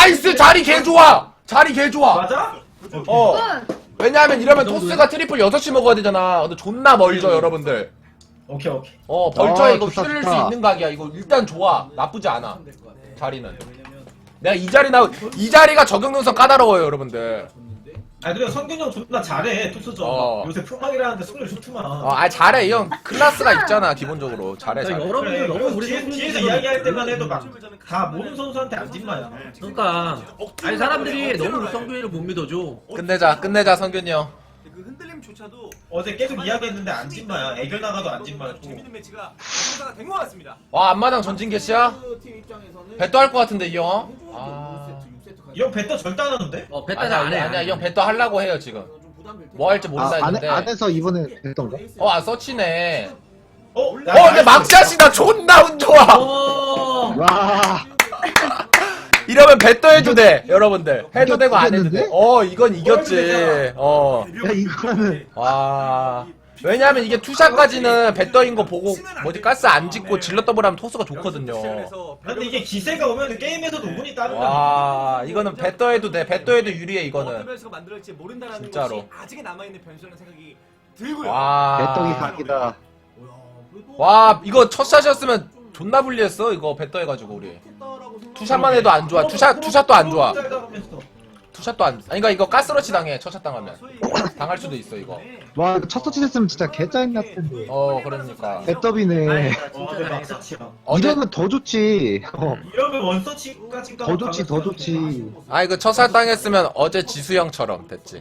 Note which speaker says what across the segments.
Speaker 1: 나이스! 자리 개 좋아! 자리 개 좋아!
Speaker 2: 맞아?
Speaker 1: 왜냐하면 이러면 토스가 트리플 6시 먹어야 되잖아. 근데 존나 멀죠, 여러분들.
Speaker 2: 오케이 오케이.
Speaker 1: 벌처에 이거
Speaker 3: 좋다,
Speaker 1: 휘둘릴
Speaker 3: 좋다.
Speaker 1: 수 있는 각이야. 이거 일단 좋아. 나쁘지 않아. 자리는. 내가 이 자리가 적용 능선 까다로워요, 여러분들.
Speaker 2: 아 그래 성균이 형 존나 잘해 토스전. 요새 풍막이라는데 승률 좋더만.
Speaker 1: 잘해. 이 형 클래스가 있잖아, 기본적으로. 잘해, 잘해.
Speaker 4: 여러분들
Speaker 2: 그래,
Speaker 4: 너무 우리
Speaker 2: 뒤에서 이야기할 때만 해도 막 다 모든 선수한테 안 찐마야.
Speaker 4: 그러니까 아니 사람들이 너무 우리 성균이를 못 믿어줘.
Speaker 1: 끝내자, 성균이 형.
Speaker 5: 그 흔들림조차도
Speaker 2: 어제 계속 이야기했는데 안 찐마야. 애결 나가도 안 찐마였고.
Speaker 5: 재밌는 매치가 성사가 된 것 같습니다.
Speaker 1: 와, 앞마당 전진 개시야? 배또 할 것 같은데, 이 형?
Speaker 2: 이 형 배떠 절대 안 하는데?
Speaker 4: 배타를 안 해.
Speaker 1: 아니야, 이 형 배또 하려고 해요, 지금. 뭐 할지 모른다 했는데.
Speaker 3: 안에서 이번에 했던가?
Speaker 1: 서치네.
Speaker 2: 야,
Speaker 1: 근데 막샷이다. 존나 운 좋아.
Speaker 3: 와.
Speaker 1: 이러면 배또 해도 돼, 여러분들. 해도 되고 안 해도 돼.
Speaker 3: 이겼는데?
Speaker 1: 이건 이겼지.
Speaker 3: 야 이거는
Speaker 1: 와. 왜냐면 이게 투샷까지는 배떠인 거 보고 가스 안 짓고 질러 더블하면 토스가 좋거든요.
Speaker 2: 근데 이게 기세가 오면 게임에서도 운이 따른다.
Speaker 1: 와, 이거는 배떠 해도 돼. 배떠 해도 유리해,
Speaker 5: 어떤
Speaker 1: 이거는.
Speaker 5: 변수가 만들어질지 모른다라는
Speaker 1: 진짜로.
Speaker 5: 것이 아직은 남아있는 변수라는 생각이 들고요.
Speaker 1: 와.
Speaker 3: 배떡이 각이다.
Speaker 1: 와, 이거 첫 샷이었으면 존나 불리했어. 이거 배떠 해가지고 우리. 투샷만 해도 안 좋아. 투샷도 안 좋아. 투샷도 안. 그러니까 이거 가스러치 당해. 첫 샷 당하면. 당할 수도 있어, 이거.
Speaker 3: 와 이거 첫 터치 됐으면 진짜 개짜증 났을 텐데.
Speaker 1: 그러니까.
Speaker 3: 배떡이네.
Speaker 2: 근데 막서치야.
Speaker 3: 이러면 더 좋지.
Speaker 2: 이러면 원서치까지
Speaker 3: 더 좋지 더 좋지.
Speaker 1: 이거 첫 샷 당했으면 어제 지수형처럼 됐지.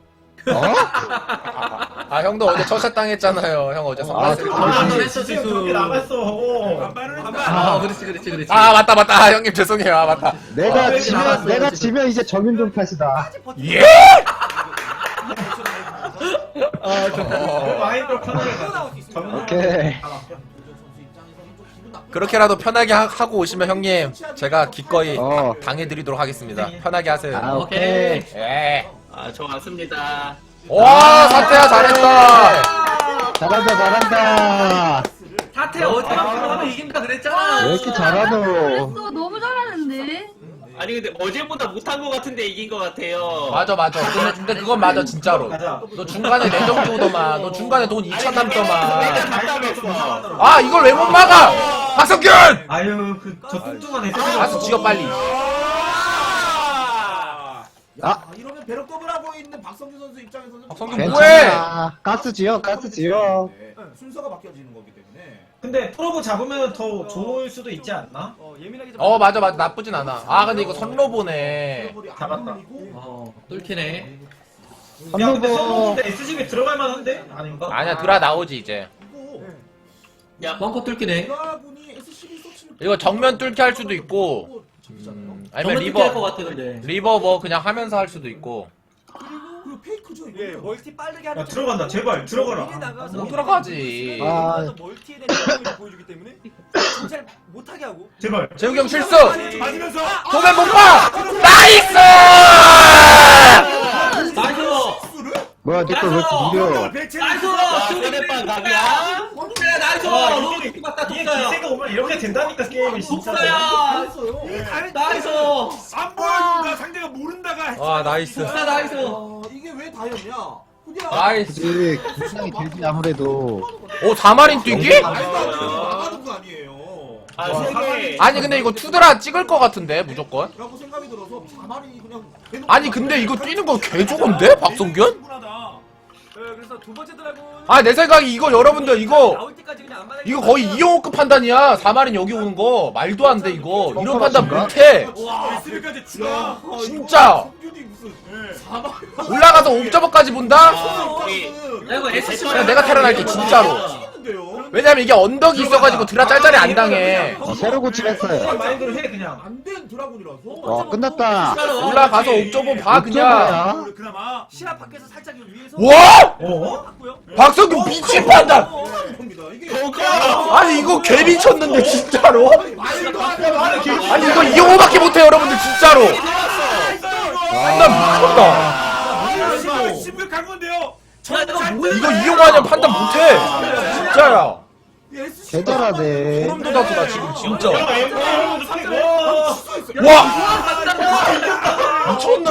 Speaker 1: 형도 어제 첫 샷 당했잖아요. 형 어제 선발했을 때.
Speaker 4: 했어 지수.
Speaker 2: 그렇게 남았어.
Speaker 4: 그렇지.
Speaker 1: 맞다. 형님 죄송해요. 맞다.
Speaker 3: 내가 지면 이제 정윤종 탓이다.
Speaker 1: 예?
Speaker 2: 마인드로 편하게 가.
Speaker 3: 오케이.
Speaker 1: 그렇게라도 편하게 하고 오시면 형님 제가 기꺼이 당해드리도록 하겠습니다. 편하게 하세요.
Speaker 4: 오케이.
Speaker 1: 예.
Speaker 4: 좋았습니다.
Speaker 1: 와, 사태야 잘했다.
Speaker 3: 잘한다.
Speaker 4: 사태 어제만큼 하면 이긴다 그랬잖아.
Speaker 3: 왜 이렇게 잘하노?
Speaker 6: 또 너무 잘하는데.
Speaker 7: 아니 근데 어제보다 못한 것 같은데 이긴 것 같아요.
Speaker 1: 맞아. 근데 그건 맞아 진짜로. 너 중간에 내정 주더만. 너 중간에 돈 2천 남더만.
Speaker 7: 답답했어.
Speaker 1: 이걸 왜 못 막아? 박성균!
Speaker 2: 아유 저 뚱뚱한 애.
Speaker 1: 알았어, 지어 빨리.
Speaker 5: 이러면 배럭 더블하고 있는 박성규 선수 입장에서는
Speaker 1: 박성균 뭐해?
Speaker 3: 괜찮아. 가스 지어.
Speaker 5: 순서가 바뀌어지는 거기 때문에
Speaker 2: 근데 프로브 잡으면 더 좋을 수도 있지 않나?
Speaker 5: 예민하게
Speaker 1: 맞아. 나쁘진 않아. 근데 이거 선로보네.
Speaker 2: 잡았다.
Speaker 4: 뚫기네.
Speaker 2: 야 근데 선호인데 SGB 들어갈 만한데? 아닌가?
Speaker 1: 아니야, 드라 나오지 이제.
Speaker 4: 야 벙커 뚫기네.
Speaker 1: 이거 정면 뚫기 할 수도 있고, 아니면
Speaker 4: 정말 뚫기 할것 같아 근데.
Speaker 1: 리버 뭐 그냥 하면서 할 수도 있고.
Speaker 5: 그리고 페이크죠 이거. 멀티 빠르게 하는
Speaker 2: 야 들어간다 제발 들어가라.
Speaker 1: 못 들어가지.
Speaker 5: 멀티에 대한 능력을 보여주기 때문에 진짜 못하게 하고
Speaker 2: 제발.
Speaker 1: 재욱이 형 실수!
Speaker 5: 맞으면서
Speaker 1: 도면 못 봐! 나이스!
Speaker 4: 나이스.
Speaker 3: 뭐야 니꺼 왜 이렇게 느려?
Speaker 4: 나이스.
Speaker 7: 상대방 각이야.
Speaker 4: 그래 나이스. 너무 좋게 봤다
Speaker 2: 이게
Speaker 4: 독사야.
Speaker 2: 기세가 오면 이렇게 된다니까 게임이 진짜.
Speaker 4: 독사야. 나이스.
Speaker 5: 안 보여준다. 상대가 모른다가.
Speaker 1: 나이스.
Speaker 4: 독사 나이스.
Speaker 5: 이게 왜 다였냐?
Speaker 1: 나이스.
Speaker 3: 그치 긴장이 되지 아무래도.
Speaker 1: 4마린 뛰기?
Speaker 5: 나가는 거 아니에요.
Speaker 7: 세개.
Speaker 1: 아니, 근데 이거 투드라 찍을 것 같은데, 무조건?
Speaker 5: 라고 생각이 들어서 자만이 그냥
Speaker 1: 아니, 근데 이거 뛰는 거 개조건데? 박성균?
Speaker 5: 그래서 두 번째 드라군
Speaker 1: 내 생각에 이거 여러분들,
Speaker 5: 나올 때까지 그냥 안
Speaker 1: 이거 거의 이용호급 판단이야. 4마린 여기 오는 거. 말도 안 돼, 이거. 이런 판단 못해.
Speaker 5: 와, SB까지 추가.
Speaker 1: 진짜.
Speaker 5: 성균이 무슨
Speaker 1: 올라가서 옥저버까지 본다?
Speaker 4: 이거 SC.
Speaker 1: 그냥 내가 탈환할게, 진짜로.
Speaker 5: 치는데요.
Speaker 1: 왜냐면 이게 언덕이 있어가지고 드라 짤짤이 안 당해.
Speaker 3: 새로 고침했어요.
Speaker 2: 마인드로 해 그냥.
Speaker 5: 안된 드라군이라서.
Speaker 3: 와 끝났다.
Speaker 1: 올라가서 옥저버 봐, 그냥.
Speaker 3: 옥저버야.
Speaker 5: 그나마 시야 밖에서 살짝 위에서.
Speaker 1: 와!
Speaker 5: 봤고요.
Speaker 1: 박성균 미친 판단!
Speaker 5: 겁니다. 이게
Speaker 1: 아니, 이거 개 미쳤는데, 진짜로?
Speaker 5: 말도 안 돼. 말을 개.
Speaker 1: 아니, 이거 이용호밖에 못해, 여러분들, 진짜로. 판단 미쳤다.
Speaker 5: 심각한 건데요.
Speaker 1: 이거 이용호 아니면 판단 못해. 진짜야.
Speaker 3: 개잘하네.
Speaker 1: 소름 돋았어, 나 지금, 진짜.
Speaker 2: 야,
Speaker 1: 와!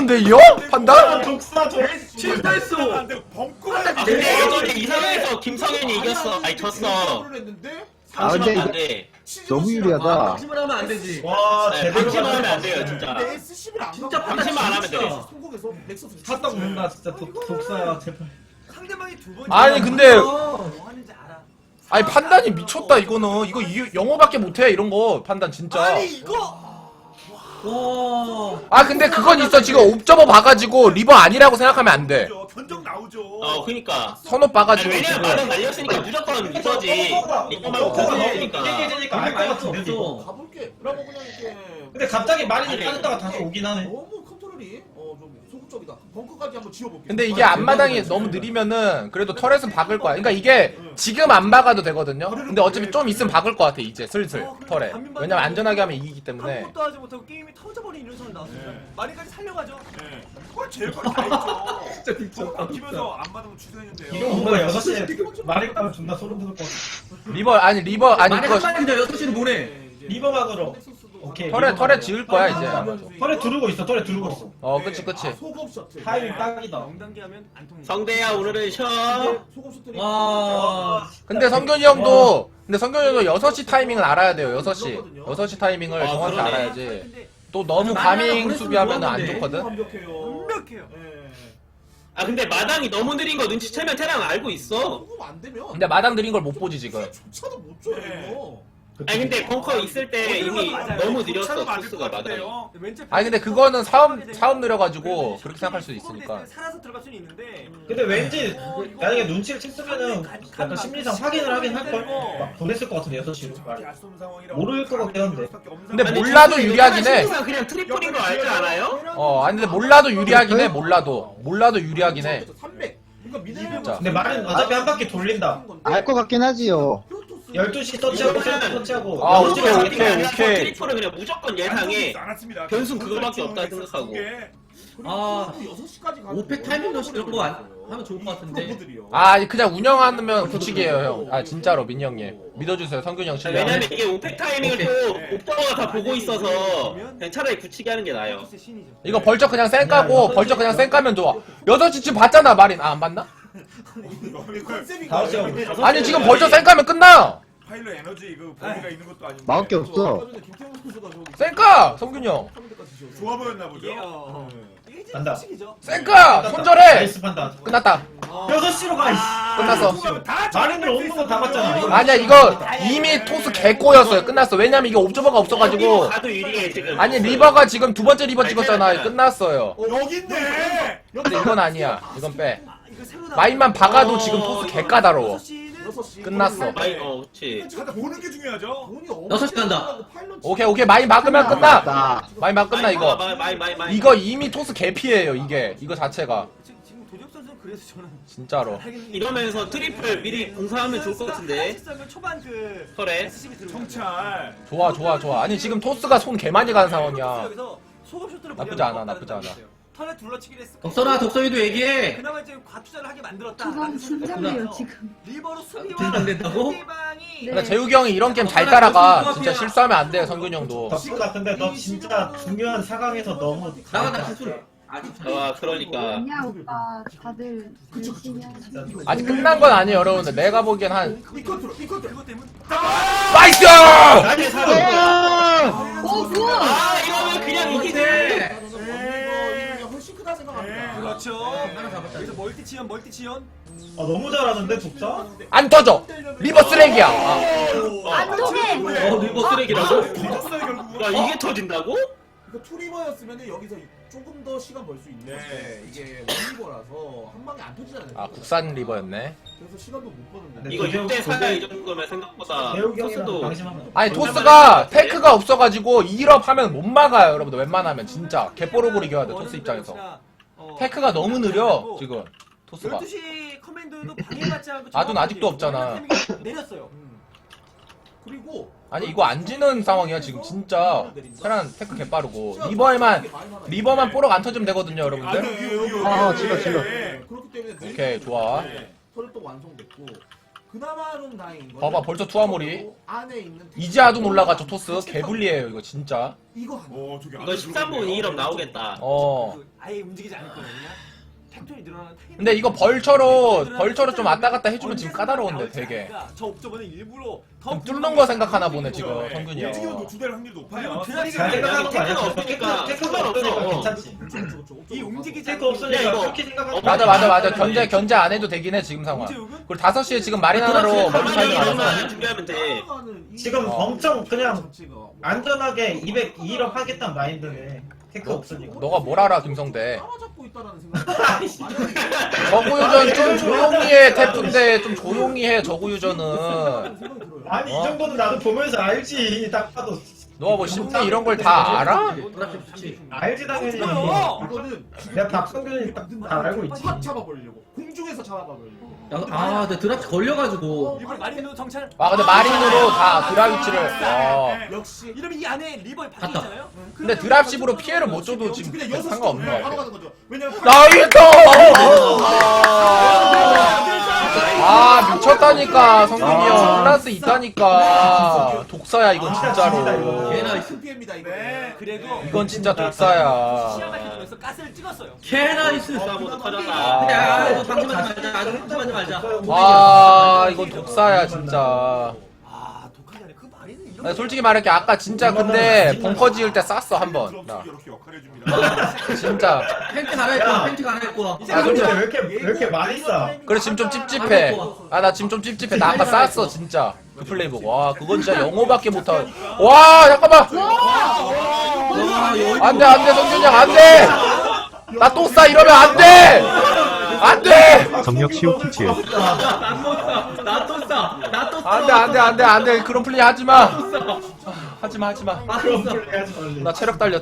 Speaker 1: 미쳤는데 이 형? 판단?
Speaker 2: 독사 저
Speaker 4: 실패했어.
Speaker 7: 근데 이번에 이 상황에서 김성현이 이겼어. 아니 졌어.
Speaker 3: 아, 근데
Speaker 7: 방심하면
Speaker 3: 이거
Speaker 7: 안 돼.
Speaker 3: 너무 유리하다.
Speaker 4: 방심을 하면 안 되지.
Speaker 2: 와
Speaker 7: 네,
Speaker 2: 제대로
Speaker 7: 방심하면 안
Speaker 2: 가졌다.
Speaker 7: 돼요 진짜.
Speaker 4: 진짜
Speaker 7: 방심만 안 하면 돼.
Speaker 2: 샀다 보낸다 진짜 독사 제발.
Speaker 5: 상대방이 두 번.
Speaker 1: 아니 근데
Speaker 5: 뭐 하는지 알아.
Speaker 1: 아니 판단이 미쳤다 이거는. 이거 영어밖에 못해 이런 거 판단 진짜.
Speaker 5: 아니 이거.
Speaker 4: 와.
Speaker 1: 아 근데 그건 있어. 지금 옵저버 봐가지고 리버 아니라고 생각하면 안 돼.
Speaker 5: 견적 나오죠.
Speaker 7: 그니까.
Speaker 1: 선옷
Speaker 7: 아니,
Speaker 1: 봐가지고
Speaker 7: 왜냐면
Speaker 1: 지금.
Speaker 7: 말은 날렸으니까 무조건 리버지. 이거 말고
Speaker 2: 너무
Speaker 7: 그거니까.
Speaker 2: 깨지니까 알 것 같은데 이거.
Speaker 5: 가볼게. 라고 그냥 이렇게.
Speaker 2: 근데 갑자기 마린이
Speaker 7: 아니,
Speaker 2: 빠졌다가 다시 오긴 하네.
Speaker 5: 너무 컨트롤이 좀 소극적이다. 벙커까지 한번 지워볼게.
Speaker 1: 근데 이게 앞마당이 너무 느리면은 그래도 터렛은 박을 거야. 그러니까 이게 지금 안 박아도 되거든요. 근데 어차피 좀 있으면 박을 것 같아 이제 슬슬 터렛. 왜냐면 안전하게 하면 이기기 때문에.
Speaker 5: 아무것도 하지 못하고 게임이 터져버린 이런 상황이 나왔습니다. 마리까지 살려가죠. 그걸 제일 빨리 다 했죠.
Speaker 2: 진짜 미쳤다.
Speaker 5: 막히면서 안 받으면 취소했는데요.
Speaker 2: 이거 뭔가 6시에 마린 가면 존나 소름 돋을 것 같아.
Speaker 1: 리버 아니
Speaker 4: 만약
Speaker 1: 그거
Speaker 4: 한 마리 더 6시는 뭐네?
Speaker 2: 리버막으로. 오케이.
Speaker 1: 터렛 지을 거야 이제.
Speaker 2: 털에 두르고 있어. 털에 두르고 있어.
Speaker 1: 어 그치.
Speaker 5: 소금 셔틀.
Speaker 2: 타이밍 딱이다.
Speaker 5: 0단계 하면 안 통해.
Speaker 7: 성대야 오늘은 쉬어.
Speaker 5: 소금 셔틀이.
Speaker 4: 와.
Speaker 1: 근데 성균이 형도 6시 타이밍을 알아야 돼요. 6시 타이밍을
Speaker 7: 아,
Speaker 1: 정확히
Speaker 7: 그러네.
Speaker 1: 알아야지. 또 너무 가밍 수비하면 안 좋거든.
Speaker 5: 완벽해요. 완벽해요.
Speaker 7: 아 근데 마당이 너무 느린 거 눈치채면 테랑 알고 있어.
Speaker 5: 소금 안 되면.
Speaker 1: 근데 마당 느린 걸 못 보지 지금.
Speaker 5: 조차도 못 줘요. 이거.
Speaker 7: 아니 근데 벙커 있을 때 이미 너무 느렸어 토스가 마당이.
Speaker 1: 아니 근데 그거는 사업 느려가지고 그렇게 생각할 수도 있으니까.
Speaker 5: 살아서 들어갈 수는 있는데.
Speaker 2: 근데 왠지 만약에 눈치를 챘으면은 약간 심리상 확인을 하긴 할걸? 막 보냈을 것 같은데 6시로 모를 것 같긴 한데.
Speaker 1: 근데
Speaker 7: 아니,
Speaker 1: 몰라도
Speaker 7: 진짜
Speaker 1: 유리하긴 해.
Speaker 7: 심리상 그냥 트리플인 거 알지 않아요?
Speaker 1: 아니 근데 몰라도 유리하긴 해. 몰라도 유리하긴 해.
Speaker 5: 300. 그러니까
Speaker 1: 진짜.
Speaker 2: 근데 말은 어차피 한 바퀴 돌린다.
Speaker 3: 알 것 같긴 하지요.
Speaker 2: 12시 터치하고 세트 터치하고
Speaker 1: 아,
Speaker 2: 6시 가
Speaker 1: 오케이.
Speaker 7: 트리플은 그냥 무조건 예상해.
Speaker 5: 않았습니다.
Speaker 7: 변수는 그거밖에 없다 생각하고.
Speaker 4: 아,
Speaker 5: 6시까지 가는
Speaker 4: 5팩 타이밍 넣시 이런 거 하면 좋을 것 같은데.
Speaker 1: 아 그냥 운영하면 굳히기에요 형. 아 진짜로 민이 형님 믿어주세요. 성균이 형 실력.
Speaker 7: 왜냐면 이게 오펙 타이밍을 또 옵저버가 다 보고 있어서 그냥 차라리 굳히게 하는 게 나아요.
Speaker 1: 이거 벌쩍 그냥 쌩 까고 벌쩍 그냥 쌩 까면 좋아. 6시쯤 봤잖아 마린. 아 안 봤나?
Speaker 2: 다섯 시
Speaker 1: 아니 지금 벌쩍 쌩 까면 끝나.
Speaker 5: 파일럿 에너지 그 범위가 있는 것도 아닌데.
Speaker 3: 막을 게 없어.
Speaker 1: 쌩 까! 성균이 형.
Speaker 5: 좋아 보였나 보죠.
Speaker 2: 간다.
Speaker 1: 쌩 까! 손절해!
Speaker 2: 나이스 판단.
Speaker 1: 끝났다.
Speaker 2: 6시로 가. 이씨.
Speaker 1: 끝났어.
Speaker 2: 마린들 없는 거 다 봤잖아. 이거.
Speaker 1: 아니야 이거 이미 토스 개꼬였어요. 끝났어. 왜냐면 이게 옵저버가 없어가지고.
Speaker 7: 가도 유리해 지금.
Speaker 1: 아니 리버가 지금 두 번째 리버 찍었잖아. 끝났어요.
Speaker 5: 여기 있네.
Speaker 1: 근데 이건 아니야. 이건 빼. 마인만 박아도 지금 토스 개 까다로워. 끝났어.
Speaker 7: 마이 그렇지.
Speaker 5: 자다 보는 게 중요하죠.
Speaker 4: 6시 간다.
Speaker 1: 오케이 마인 막으면 끝나.
Speaker 3: 나
Speaker 1: 마인 막 끝나 이거.
Speaker 7: 마이.
Speaker 1: 이거 이미 토스 개피예요 이게. 이거 자체가.
Speaker 5: 지금 도적 선수는 그래서 저는
Speaker 1: 진짜로.
Speaker 7: 이러면서 트리플 미리 공사하면 좋을 것 같은데.
Speaker 5: 초반 그
Speaker 7: 설에.
Speaker 5: 정찰.
Speaker 1: 좋아. 아니 지금 토스가 손 개 많이 가는 상황이야.
Speaker 5: 여기서 소금 쇼트를
Speaker 1: 나쁘지 않아, 나쁘지 않아.
Speaker 5: 턴에 둘러치긴 했을
Speaker 4: 덕선아, 덕선이도 얘기해.
Speaker 5: 그나마 이제 과투자를 하게 만들었다.
Speaker 6: 저건 긴장돼요 지금.
Speaker 5: 리버로 수비와
Speaker 4: 긴장된다고?
Speaker 5: 상대방이
Speaker 1: 그러니까 재욱이 형이 이런 게임 잘 따라가. 진짜 실수하면 안 돼 성균이 형도.
Speaker 2: 덕수가 근데 너 진짜 중요한 상황에서 너무
Speaker 4: 나가다 기술.
Speaker 7: 와 그러니까.
Speaker 6: 아니야 오빠 다들 열심히 하시고.
Speaker 1: 아직 끝난 건 아니에요 여러분들. 내가 보기엔 한
Speaker 5: 이 컨트롤 그것 때문에
Speaker 1: 나이스!
Speaker 2: 나이스 사람.
Speaker 6: 뭐야?
Speaker 7: 아 이러면 그냥 이기네.
Speaker 5: 이거 훨씬 크다 생각합니다. 그렇죠. 그래서 멀티 지연.
Speaker 2: 아 너무 잘하는데 독자?
Speaker 1: 안 터져. 리버 쓰레기야. 아.
Speaker 6: 안 통해.
Speaker 7: 리버 쓰레기라고?
Speaker 5: 터졌어요 결국.
Speaker 7: 야 이게 터진다고?
Speaker 5: 이거 투리버였으면 여기서 조금 더 시간 벌 수 있는데 이게 원리버라서 한 방에 안 터지잖아요.
Speaker 1: 아 국산 리버였네.
Speaker 5: 그래서 시간도 못 버는데.
Speaker 7: 이거 6대4야 이 정도면 생각보다
Speaker 2: 대욱이 형이랑
Speaker 7: 토스도
Speaker 2: 방심하면.
Speaker 1: 아니 토스가 테크가 없어가지고 2업 하면 못 막아요 여러분들. 웬만하면 진짜 개뽀록으로 이겨야 돼 토스 입장에서. 테크가 너무 느려 지금 토스가.
Speaker 5: 12시 커맨드도 방해받지 않고
Speaker 1: 아둔 아직도 없잖아.
Speaker 5: 내렸어요. 그리고
Speaker 1: 아니 이거 안 지는 상황이야 지금 진짜. 테란 테크 개빠르고 리버만 뽀록 안 터지면 되거든요 여러분들.
Speaker 3: 질러.
Speaker 5: 그렇기 때문에
Speaker 1: 오케이 좋아.
Speaker 5: 털도 완성됐고 그나마 좀 다행인 거.
Speaker 1: 봐봐, 벌써 투하몰이.
Speaker 5: 안에 있는
Speaker 1: 이제 아둔 올라가죠 토스. 개불리해요 이거 진짜.
Speaker 5: 이거 하나.
Speaker 7: 이거 13분 2럼 나오겠다.
Speaker 5: 아예 움직이지 않을 거예요. 그냥 팩토리 늘어나는 타이밍.
Speaker 1: 근데 이거 벌처로 좀 왔다 갔다 해주면 지금 까다로운데 되게.
Speaker 5: 저 옵저버는 일부러
Speaker 1: 좀 뚫는 거 생각하나 보네 지금 성균이
Speaker 8: 움직이면
Speaker 1: 형.
Speaker 8: 노출될 확률이 높아요.
Speaker 2: 잘 생각하는 거 아니야?
Speaker 7: 없으니까
Speaker 2: 테크가 없으니까 괜찮지.
Speaker 5: 이 움직이지
Speaker 2: 테크 없으니까
Speaker 7: 이거.
Speaker 2: 그렇게 생각하는
Speaker 1: 맞아 견제 안 해도 되긴 해 지금 상황. 그리고 5시에 지금 마린 하나로 멀티 차이가
Speaker 7: 가만히
Speaker 1: 많아서.
Speaker 7: 준비하면 돼.
Speaker 2: 지금 엄청 그냥 안전하게 202업 하겠다는 마인드네. 테크 없으니까.
Speaker 1: 너가 뭘 알아 김성대.
Speaker 5: 따라잡고 있다라는 생각이
Speaker 1: 저구유전 좀 조용히 해 태프인데 좀 조용히 해 저구유전은.
Speaker 2: 아니 이 정도는 나도 보면서 알지. 딱 봐도
Speaker 1: 너가 뭐 심리 이런 걸 다 알아?
Speaker 2: 알지 당연히.
Speaker 5: 이거는
Speaker 2: 내가 박성균이 딱 알고 있지.
Speaker 5: 확 잡아버리려고 공중에서 잡아버리려고.
Speaker 4: 아, 근데 드랍 걸려가지고.
Speaker 5: 일부러 마린으로 정찰.
Speaker 1: 아 근데 마린으로 다 드랍 위치를.
Speaker 5: 역시 이러면 이 안에 리버에 박히잖아요.
Speaker 1: 근데 드랍십으로 피해를 못 줘도 지금
Speaker 5: 그냥
Speaker 1: 별
Speaker 5: 6시
Speaker 1: 상관없는 거
Speaker 5: 바로
Speaker 1: 같아.
Speaker 5: 가는 거죠. 왜냐면
Speaker 1: 나이스! 아 미쳤다니까 성균이 형 플러스 있다니까. 독사야 이건 진짜로.
Speaker 4: 걔나
Speaker 5: 스피입니다 이거.
Speaker 8: 그래도
Speaker 1: 이건 진짜 독사야.
Speaker 5: 그래서 가스를 찍었어요.
Speaker 4: 캐나이스.
Speaker 7: 싸움으로 터졌다.
Speaker 4: 야, 이거 방심하지 말자. 아주 방심하지 말자.
Speaker 1: 와 이건 독사야 진짜.
Speaker 5: 아 독하지 않아. 그 마린은 이런.
Speaker 1: 나 솔직히 말할게 아까 진짜 근데 벙커 지을 때 쌌어 한번. 나
Speaker 8: 이렇게 역할해 줍니다.
Speaker 1: 진짜.
Speaker 4: 팬티 갈아입고, 팬티 갈아입고.
Speaker 1: 아,
Speaker 2: 근데
Speaker 1: 솔직히-
Speaker 2: 왜 이렇게 많이 싸?
Speaker 1: 그래 지금 좀 찝찝해. 아 나 지금 좀 찝찝해. 나 아까 쌌어 진짜. 그 플레이 보고. 와 그건 진짜 영어밖에 못하. 와 잠깐만. 안돼 성균이 형 안돼. 나 또 싸 이러면 안돼. 안돼.
Speaker 3: 정력 시오키츠.
Speaker 4: 나또 싸. 나또 싸.
Speaker 1: 안돼 그런 플레이 하지마. 하지마.
Speaker 2: 그런 플레이 하지 말래.
Speaker 1: 나 체력 달려.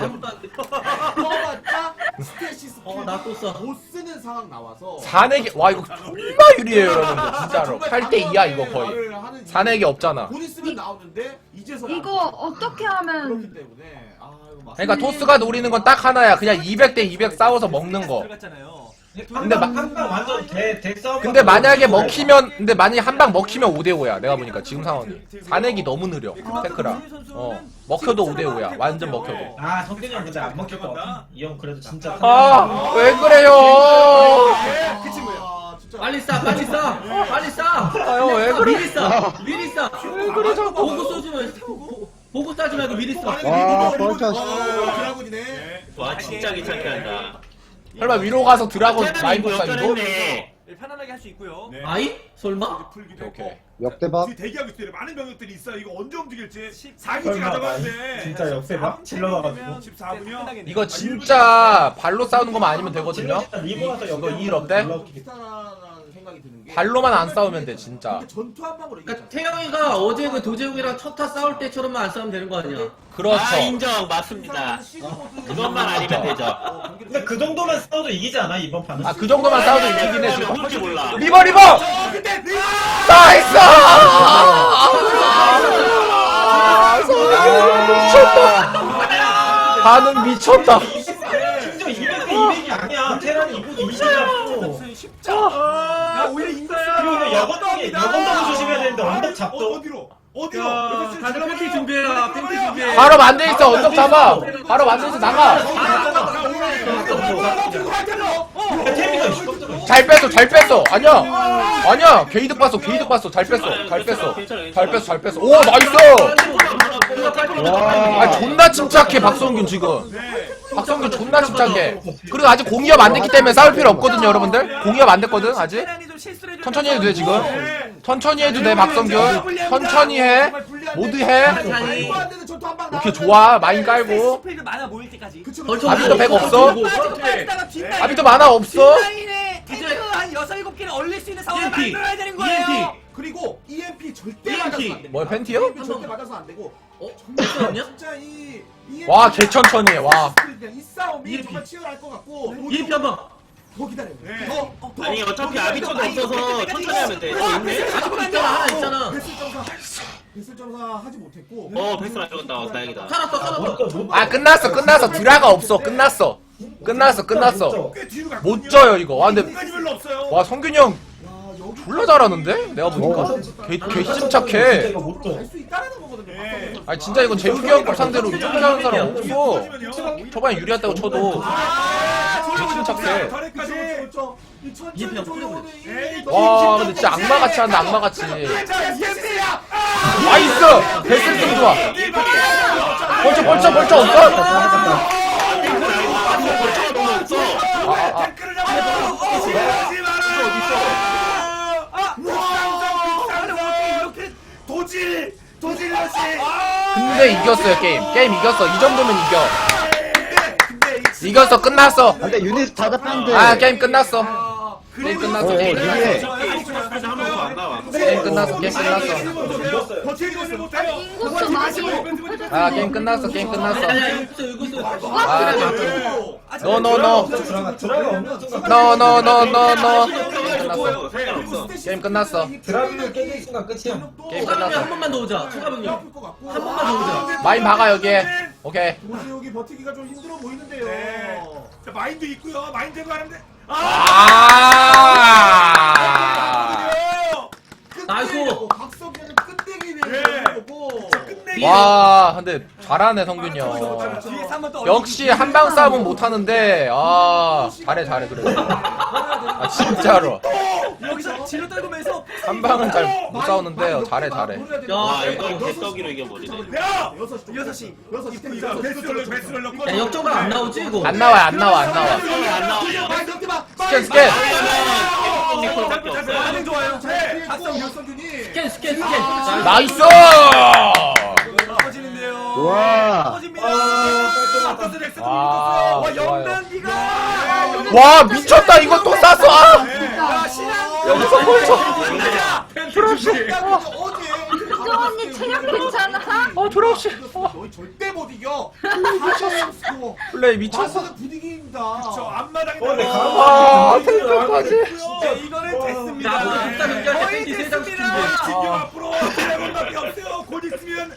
Speaker 5: 써봤자 스테시스
Speaker 4: 나또 싸.
Speaker 5: 못 쓰는 상황 나와서
Speaker 1: 4내기 와 이거 존나 유리해요 여러분들 진짜로. 8대 2야 이거 거의. 4내기 없잖아.
Speaker 5: 돈 있으면 나오는데 이제서
Speaker 6: 이거 어떻게 하면
Speaker 5: 그렇기 때문에 아 이거 맞.
Speaker 1: 그러니까 토스가 노리는 건 딱 하나야. 그냥 200대 200 싸워서 먹는 거. 근데
Speaker 2: 한방 완전 대 싸움.
Speaker 1: 근데 만약에 먹히면 근데 만약에 한 방 먹히면 5대5야 내가 보니까 지금 상황이. 4내기 너무 느려 테크라. 먹혀도 5대5야 완전 먹혀도.
Speaker 2: 아 성균이 형 근데 안 먹힐 것 같아. 이 형 그래도 진짜.
Speaker 1: 아 왜 그래요.
Speaker 5: 그 친구야. 진짜.
Speaker 4: 빨리 싸. 빨리 싸.
Speaker 1: 아유 왜 그래.
Speaker 4: 미리 싸. 왜 그래 자꾸. 보고 쏘지 마. 보고 싸지 말고 미리 싸.
Speaker 3: 와, 벌써.
Speaker 5: 드라군이네.
Speaker 7: 와 진짜 귀찮게 한다.
Speaker 1: 설마 위로 가서 드라곤 마인
Speaker 7: 뭐
Speaker 1: 복사이고?
Speaker 7: 역전했네.
Speaker 5: 편안하게 할 수 있고요.
Speaker 8: 네.
Speaker 4: 아이? 설마?
Speaker 8: 풀기도
Speaker 1: 오케이.
Speaker 8: 했고.
Speaker 3: 역대박.
Speaker 8: 뒤에 대기하고 있어요. 많은 병력들이 있어요. 이거 언제 움직일지. 4기지
Speaker 2: 설마
Speaker 8: 가져가는데.
Speaker 2: 진짜 역대박 질러놔가지고.
Speaker 8: 14분이요?
Speaker 1: 이거 진짜 발로 싸우는 것만 아니면 되거든요.
Speaker 2: 리버 가서
Speaker 1: 이거 2일 없대?
Speaker 5: 비슷하다는 생각이 드는 게
Speaker 1: 발로만 안 싸우면 돼 진짜.
Speaker 5: 전투 한 방으로
Speaker 4: 그러니까 태영이가 어제 그 도재욱이랑 첫타 싸울 때처럼만 안 싸우면 되는 거 아니야?
Speaker 1: 그렇죠.
Speaker 7: 아 인정 맞습니다. 그것만 아니면 되죠.
Speaker 2: 근데 그 정도만 싸워도 이기지 않아 이번 판은?
Speaker 1: 아 그 정도만 싸워도 이기긴 해 지금.
Speaker 7: 그럴지 몰라.
Speaker 1: 리버! 나이스! 미쳤다. 반응 미쳤다.
Speaker 2: 심지어 200대 200이 아니야. 테란이 이거 20이라고.
Speaker 5: 야 오히려 인가야.
Speaker 2: 그리고 여건도 조심해야 되는데 언덕 잡도.
Speaker 8: 어디로?
Speaker 4: 다들 팬티 준비해라. 팬티 준비해.
Speaker 1: 바로 만들있어 언덕 잡아. 바로 만들있어 나가. 잘 뺐어. 아니야. 게이득 봤어. 잘 뺐어. 오 나이스. 아 존나 침착해 박성균 지금. 박성균 존나 침착해. 그리고 아직 공이업 안 됐기 때문에 싸울 필요 없거든요 여러분들. 공이업 안 됐거든 아직. 천천히 해도 돼 지금. 천천히 해도 돼 박성균. 천천히 해. 모두 해. 오케이 좋아. 마인 깔고.
Speaker 5: 스페이드 많아 보일 때까지.
Speaker 1: 아비도 100 없어? 아비도 만화 없어?
Speaker 5: 탱크 한 6, 7개를 얼릴 수 있는 상황을
Speaker 4: EMP.
Speaker 5: 만들어야 되는 거예요. 그리고 EMP 절대 맞아서 안 되고.
Speaker 1: 뭐야 팬티요?
Speaker 5: EMP 절대 맞아서 안 되고.
Speaker 4: 잠깐만요.
Speaker 5: 진짜 이
Speaker 1: 와 개천천히 해. 와.
Speaker 5: 이 싸움이
Speaker 4: EMP.
Speaker 5: 정말 치열할 것 같고.
Speaker 4: EMP 한번.
Speaker 5: 더 기다려.
Speaker 8: 네.
Speaker 5: 더.
Speaker 7: 아니 어차피 아비토도 없어서 천천히 하면 돼. 있네?
Speaker 4: 가지고 있잖아. 하나 있잖아.
Speaker 5: 배슬 점사 하지 못했고.
Speaker 7: 패스를 안 죽었다. 다행이다.
Speaker 4: 살았어.
Speaker 1: 아 끝났어. 드라가 없어. 끝났어.
Speaker 2: 꽤 뒤로 갈
Speaker 1: 못 져요 이거. 와 근데
Speaker 8: 까지 별로 없어요.
Speaker 1: 와 성균이 형
Speaker 5: 야 여기
Speaker 1: 졸라 잘하는데? 내가 보니까 개 침착해.
Speaker 2: 이거 못 줘.
Speaker 5: 수 있다는 거거든요.
Speaker 8: 예.
Speaker 1: 아니 진짜 이건 재욱이 형 상대로 이 정도 잘하는 사람 없어. 초반에 유리했다고 쳐도 개 침착해.
Speaker 8: 터렛까지.
Speaker 4: 이해표 형 풀려버려.
Speaker 1: 와 근데 진짜 악마같이 한다 악마같이. 나이스! 베스트 좋아. 벌쩍 없어?
Speaker 8: 댓글을 잡아주지 마라. 이렇게 도질러시.
Speaker 1: 근데 이겼어요 게임 이겼어. 이 정도면 이겼어. 끝났어.
Speaker 3: 근데 유닛 다 잡혔는데.
Speaker 1: 아 게임 끝났어. 게임 끝났어. 게임
Speaker 3: 유리해.
Speaker 1: 끝났어.
Speaker 8: 버티지를 못해요.
Speaker 6: 인구수 많이
Speaker 1: 아 게임 끝났어. 게임 끝났어.
Speaker 4: 아니야 이거 있어.
Speaker 1: 아 노노노
Speaker 2: 드라가 없는 순간
Speaker 1: 노노노노노
Speaker 7: 끝났어. 상관없어.
Speaker 1: 게임 끝났어.
Speaker 2: 드라비를 깨는 순간 끝이야.
Speaker 1: 게임
Speaker 4: 추가 병력
Speaker 1: 끝났어.
Speaker 4: 한 번만 더 오자. 추가 병력 한 번만 더 오자.
Speaker 1: 마인 박아 여기에. 오케이.
Speaker 5: 도지욱이 버티기가 좀 힘들어 보이는데요.
Speaker 8: 네. 자, 마인드 있고요. 마인드가 하는데.
Speaker 4: 나이스.
Speaker 5: 박성현은 끝내기 위해서 거고.
Speaker 1: 와 근데 잘하네 성균이 형. 역시 한방 싸움은 못하는데 아 잘해 그래. 아 진짜로
Speaker 5: 여기서 진로 떨구면서
Speaker 1: 한방은 잘 못 싸우는데 잘해.
Speaker 7: 와 이거 개떡이로 이겨버리네.
Speaker 8: 야!
Speaker 5: 6시
Speaker 8: 베스를 넣고.
Speaker 4: 야 역전각 안 나오지 이거?
Speaker 1: 안 나와.
Speaker 7: 안 나와.
Speaker 1: 스캔.
Speaker 7: 콜밖에 없어.
Speaker 8: 반응 좋아요. 네.
Speaker 5: 박성균이
Speaker 4: 스캔.
Speaker 1: 나이스.
Speaker 8: 터지는데요.
Speaker 3: 와.
Speaker 1: 와,
Speaker 8: 영단기가.
Speaker 1: 와 미쳤다 이거 또 쐈어. 아
Speaker 8: 야,
Speaker 1: 여기서 벌써.
Speaker 6: 그 언니 체력 괜찮아?
Speaker 1: 드랍시.
Speaker 5: 너희 절대 못 이겨.
Speaker 1: 플레이 미쳤어.
Speaker 5: 마스는 부디기입니다.
Speaker 8: 저 앞마당에.
Speaker 1: 아 탱크까지.
Speaker 8: 이거는 됐습니다.
Speaker 4: 자, 우리 국가 경기할 때
Speaker 8: 거의
Speaker 4: 팬티 세장 준비.
Speaker 8: 됐습니다. 진규 앞으로 드래곤밖에 없어요. 곧 있으면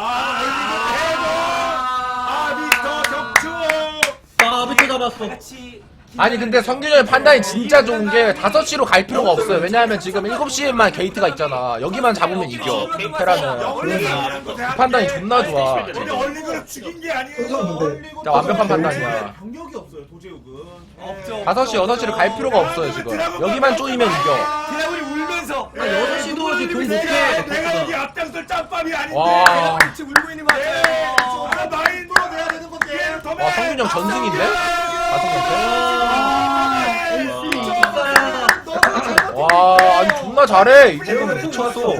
Speaker 8: 미스터 격투.
Speaker 4: 아 밑에 잡았어.
Speaker 1: 아니 근데 성균이 형의 판단이 진짜 좋은 게 5시로 갈 필요가 없어요. 왜냐하면 지금 7시에만 게이트가 있잖아. 여기만 잡으면 이겨. 테라는. 그 판단이 존나 좋아.
Speaker 8: 우리 얼리그를 죽인 게 아니에요.
Speaker 1: 진짜 완벽한 판단이야.
Speaker 5: 경력이 없어요. 도제욱은.
Speaker 8: 없죠.
Speaker 1: 5시, 6시를 갈 필요가 없어요 지금. 여기만 쪼이면 이겨.
Speaker 8: 드래곤이 울면서.
Speaker 4: 6시도 이제 돈 못해.
Speaker 8: 내가 여기 앞장설 짬밥이 아닌데.
Speaker 1: 와.
Speaker 8: 지금 울고 있는 거 같아요. 마인드로 내야 되는 건데.
Speaker 1: 와 성균이 형 전승인데? 5명째? 와 아니 존나 잘해. 이 정도면 미쳤어.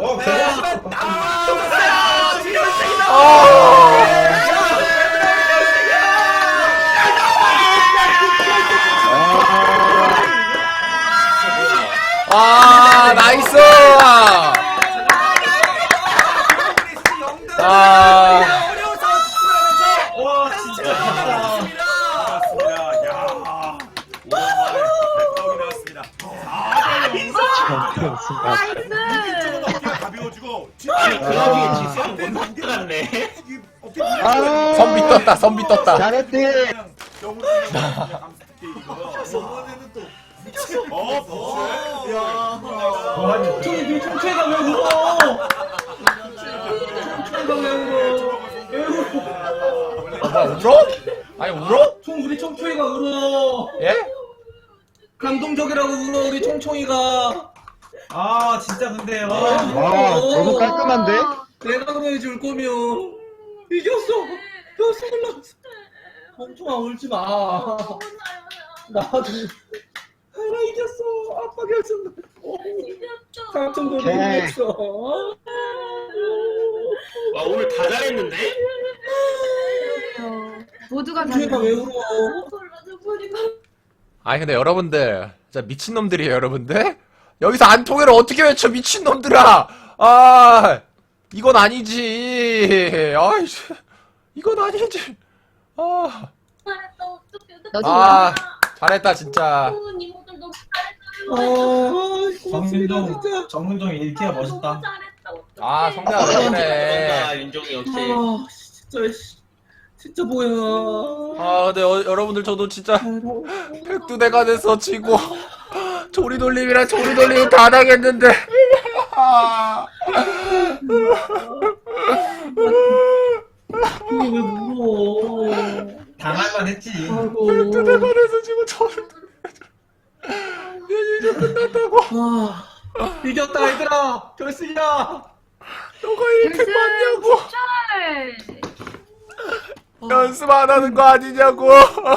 Speaker 1: 아 나이스. 아
Speaker 2: 와 진짜.
Speaker 6: 나이스.
Speaker 8: 가벼워지고.
Speaker 7: 아니 드라비에 지수형 못 들어갔네.
Speaker 3: 아.
Speaker 1: 선비 떴다.
Speaker 3: 잘했대.
Speaker 5: 저번에는 또
Speaker 4: 총체가 왜 울어?
Speaker 1: 뭐야 울어? 아니 울어?
Speaker 4: 우리 총총이가 울어.
Speaker 1: 예?
Speaker 4: 감동적이라고 울어 우리 총총이가.
Speaker 2: 아 진짜 근데
Speaker 3: 와, 너무 깔끔한데?
Speaker 4: 내가 그래야지 울 거면 이겼어. 뼈 올라갔어. 총총아 울지 마. 나도 하나 이겼어. 아빠 결승. 당첨도
Speaker 3: 오케이.
Speaker 4: 했어.
Speaker 7: 와 오늘 다 잘했는데?
Speaker 6: 모두가 다
Speaker 4: 총총이가 왜 울어?
Speaker 1: 아니 근데 여러분들 진짜 미친놈들이에요 여러분들. 여기서 안 통해를 어떻게 외쳐 미친놈들아. 아 이건 아니지. 아이씨 이건 아니지. 아 잘했다 진짜.
Speaker 2: 정문정 1티어 멋있다.
Speaker 1: 아 성대야 왜 그래.
Speaker 7: 윤종이 역시.
Speaker 4: 진짜 뭐야.
Speaker 1: 아 근데 여러분들 저도 진짜 백두대간에서 지고 조리돌림이랑 조리돌림 다 당했는데.
Speaker 4: 형님 왜 무서워?
Speaker 2: 당할만 했지.
Speaker 4: 아이고.
Speaker 1: 대관에서 지금 저를 이제 끝났다고.
Speaker 4: 와. 이겼다 얘들아. 결승이야.
Speaker 1: 너가 1팩 맞냐고.
Speaker 6: 절
Speaker 1: 연습 안 하는 거 아니냐고.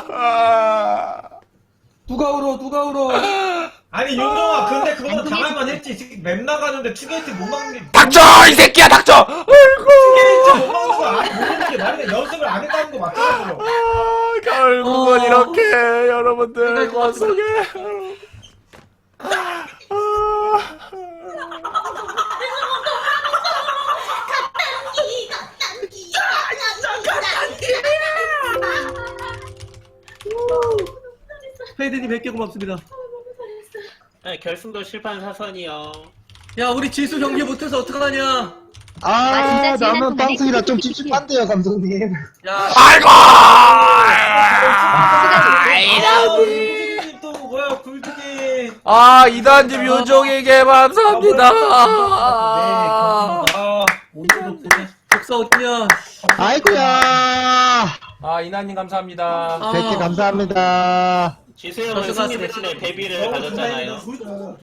Speaker 4: 누가 울어?
Speaker 2: 아니 윤종아 근데 그거는 당할만 했지. 지금 맵 나가는데 투게이트 못 막는 게
Speaker 1: 닥쳐 이 새끼야 닥쳐. 아이고.
Speaker 2: 투게이트 못 막는 거 아니 모르는 게 말이야. 연습을 안 했다는 거 맞잖아.
Speaker 1: 결국은 이렇게 여러분들 머릿속에
Speaker 4: 페이드님 100개 고맙습니다.
Speaker 7: 네, 결승도 실판 사선이요.
Speaker 4: 야 우리 지수 경기 못해서 어떡하냐?
Speaker 3: 아, 나는 방송이라 좀 찝찝한데요, 감독님.
Speaker 4: 야.
Speaker 1: 아이고.
Speaker 2: 굴뚝이 또 뭐야 굴뚝이.
Speaker 1: 아 이단님 요정에게 감사합니다.
Speaker 2: 오늘도 고생.
Speaker 4: 복사 어떠냐?
Speaker 3: 아이고야.
Speaker 1: 아 이나님 감사합니다.
Speaker 3: 100개 감사합니다.
Speaker 7: 지수 형은 승리 대신에 데뷔를 가졌잖아요.